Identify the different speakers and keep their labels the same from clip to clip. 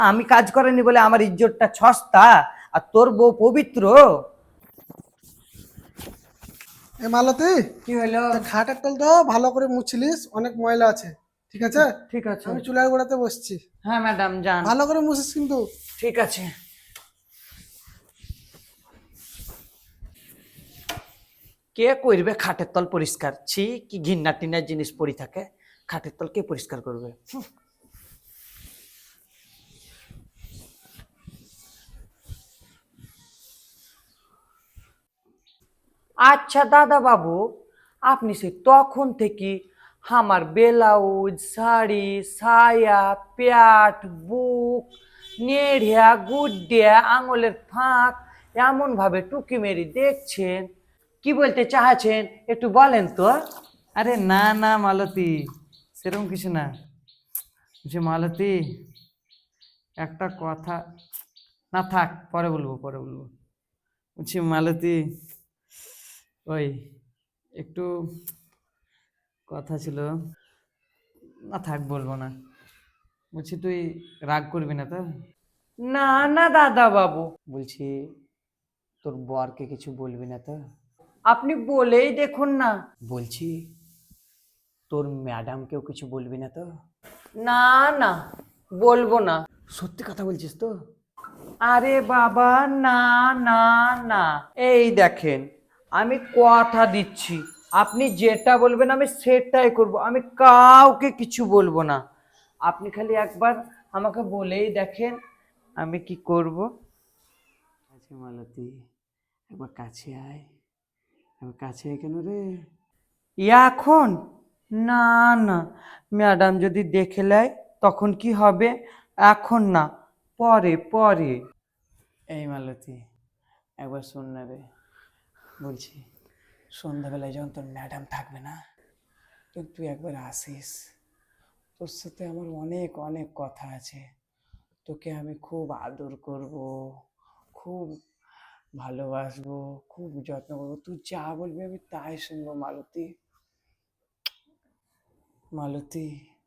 Speaker 1: আমি কাজ করেনি বলে আমার ইজ্জতটা সস্তা, আর তোর বউ পবিত্র।
Speaker 2: এ মালতী,
Speaker 1: কি হলো?
Speaker 2: খাটের তলটা ভালো করে মুছলিস, অনেক ময়লা আছে। ঠিক আছে,
Speaker 1: ঠিক আছে।
Speaker 2: আমি চুলার গোড়াতে বসছি।
Speaker 1: হ্যাঁ ম্যাডাম, যান।
Speaker 2: ভালো করে মুছিস কিন্তু।
Speaker 1: ঠিক আছে। কে করবে খাটের তল পরিষ্কার? ছি, কি ঘিন্না টিন্নার জিনিস পড়ে থাকে। খাটের তল কে পরিষ্কার করবে? আচ্ছা দাদা বাবু, আপনি সে তখন থেকে আমার ব্লাউজ, শাড়ি, সায়া, প্যাট, বুক, নেড়িয়া, গুড্ডিয়া, আঙুলের ফাঁক এমন ভাবে টুকি মেরি দেখছেন, কি বলতে চাচ্ছেন একটু বলেন তো।
Speaker 3: আরে না না মালতী, সেরকম কিছু না। যে মালতী, একটা কথা, না থাক, পরে বলবো পরে বলবো। বলছি মালতী, ওই একটু কথা ছিল, না থাক বলবো না। বলছি তুই রাগ করবি না তো?
Speaker 1: না না দাদা বাবু, বলছি তোর বরকে কিছু বলবি না তো? আপনি বলেই দেখুন না। বলছি তোর ম্যাডামকেও কিছু বলবি না তো? না না, বলবো না। সত্যি কথা বলছিস তো? আরে বাবা, না না না, এই দেখেন, আমি কথা দিচ্ছি, আপনি যেটা বলবেন আমি সেটাই করব, আমি কাউকে কিছু বলবো না। আপনি খালি একবার আমাকে বলেই দেখেন আমি কি করব।
Speaker 3: আচ্ছা মালতী, একবার কাছে আয়, একবার কাছে আয়। কেন রে?
Speaker 1: এখন না না, ম্যাডাম যদি দেখে নেয় তখন কি হবে? এখন না, পরে পরে।
Speaker 3: এই মালতী, একবার শোন না রে। বলছি সন্ধ্যাবেলায় যখন তোর ম্যাডাম থাকবে না, তুই একবার আসিস। তোর সাথে আমার অনেক অনেক কথা আছে। তোকে আমি খুব আদর করব, খুব ভালোবাসবো, খুব যত্ন করবো। তুই যা বলবি আমি তাই শুনবো মালতী। মালতী,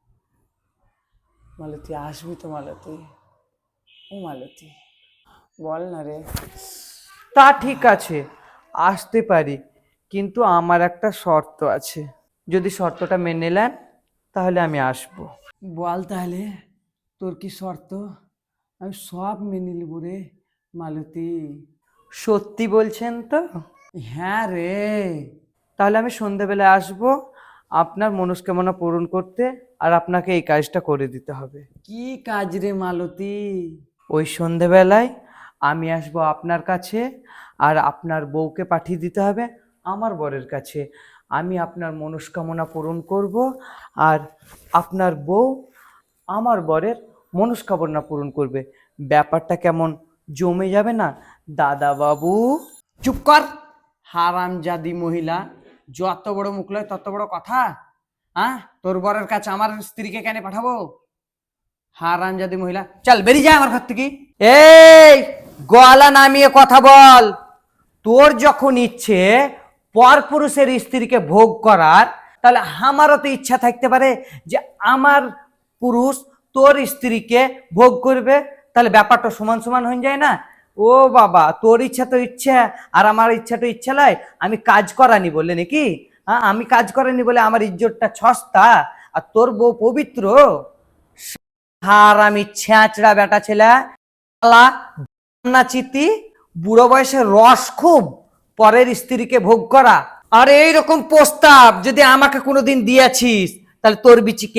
Speaker 3: মালতী আসবি তো মালতী? ও মালতী, বল না রে।
Speaker 1: তা ঠিক আছে, আসতে পারি, কিন্তু আমার একটা শর্ত আছে। যদি শর্তটা মেনে নেন তাহলে আমি আসব।
Speaker 3: বল তাহলে, তোর কি শর্ত? আমি সব মেনে নেব রে মালতী।
Speaker 1: সত্যি বলছেন তো?
Speaker 3: হ্যাঁ রে।
Speaker 1: তাহলে আমি সন্ধেবেলায় আসব আপনার মনস্কামনা পূরণ করতে, আর আপনাকে এই কাজটা করে দিতে হবে।
Speaker 3: কি কাজ রে মালতী?
Speaker 1: ওই সন্ধেবেলায় আমি আসব আপনার কাছে, আর আপনার বউকে পাঠিয়ে দিতে হবে আমার বরের কাছে। আমি আপনার মনস্কামনা পূরণ করব, আর আপনার বউ আমার বরের মনস্কামনা পূরণ করবে। ব্যাপারটা কেমন জমে যাবে না দাদা বাবু?
Speaker 3: চুপ কর, হারামজাদি মহিলা। যত বড় মুখ লয় তত বড় কথা। হ্যাঁ, তোর বরের কাছে আমার স্ত্রীকে কেন পাঠাবো? হারামজাদি মহিলা, চল বেরিয়ে যা আমার ঘর থেকে।
Speaker 1: এই, গলা নামিয়ে কথা বল। তোর যখন ইচ্ছে পরপুরুষের স্ত্রীকে ভোগ করার, তাহলে আমারও তো ইচ্ছা থাকতে পারে যে আমার পুরুষ তোর স্ত্রীকে ভোগ করবে। তাহলে ব্যাপারটা সমান সমান হয়ে যায় না? ও বাবা, তোর ইচ্ছা তো ইচ্ছা, আর আমার ইচ্ছা তো ইচ্ছা নয়। আমি কাজ করানি বলে নাকি? হ্যাঁ, আমি কাজ করানি বলে আমার ইজ্জতটা সস্তা, আর তোর বউ পবিত্র। হারামি ছ্যাঁচড়া বেটা ছেলে, চিতি, বুড়ো বয়সে রস খুব, পরের স্ত্রীকে ভোগ করা। আর এইরকম প্রস্তাব যদি আমাকে কোনোদিন দিয়েছিস, তাহলে তোর বিচিকে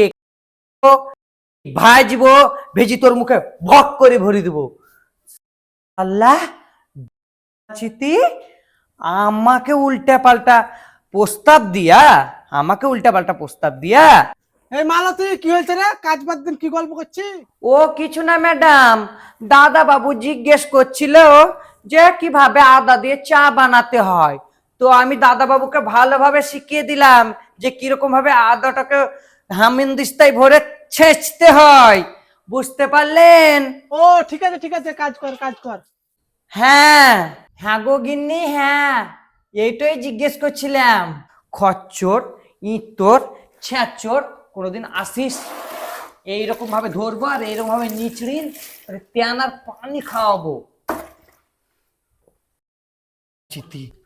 Speaker 1: ভাজবো, ভেজি তোর মুখে ভক করে ভরি দেবো। আল্লাহ, চিতি, আমাকে উল্টা পাল্টা প্রস্তাব দিয়া, আমাকে উল্টা পাল্টা প্রস্তাব দিয়া।
Speaker 2: এই মালতী, কি হয়েছে রে? কাজ বাদ দিন কি গল্প করছি?
Speaker 1: ও কিছু না ম্যাডাম, দাদা বাবু জিজ্ঞেস করছিল যে কিভাবে আদা দিয়ে চা বানাতে হয়। তো আমি দাদা বাবুকে ভালোভাবে শিখিয়ে দিলাম যে কিরকম ভাবে আদাটাকে হামিনদিস্তায় ভরে ছেঁচতে হয়। বুঝতে পারলেন?
Speaker 2: ও ঠিক আছে ঠিক আছে, কাজ কর কাজ কর।
Speaker 1: হ্যাঁ, হ্যাঁ গো গিন্নি, হ্যাঁ, এইটাই জিজ্ঞেস করছিলাম। খচ্চর, ইঁতর, ছ্যাঁচর, কোনোদিন আসিস এইরকম ভাবে ধরবো আর এইরকম ভাবে নিচড়িন তেনার পানি খাওয়াবো। চিতি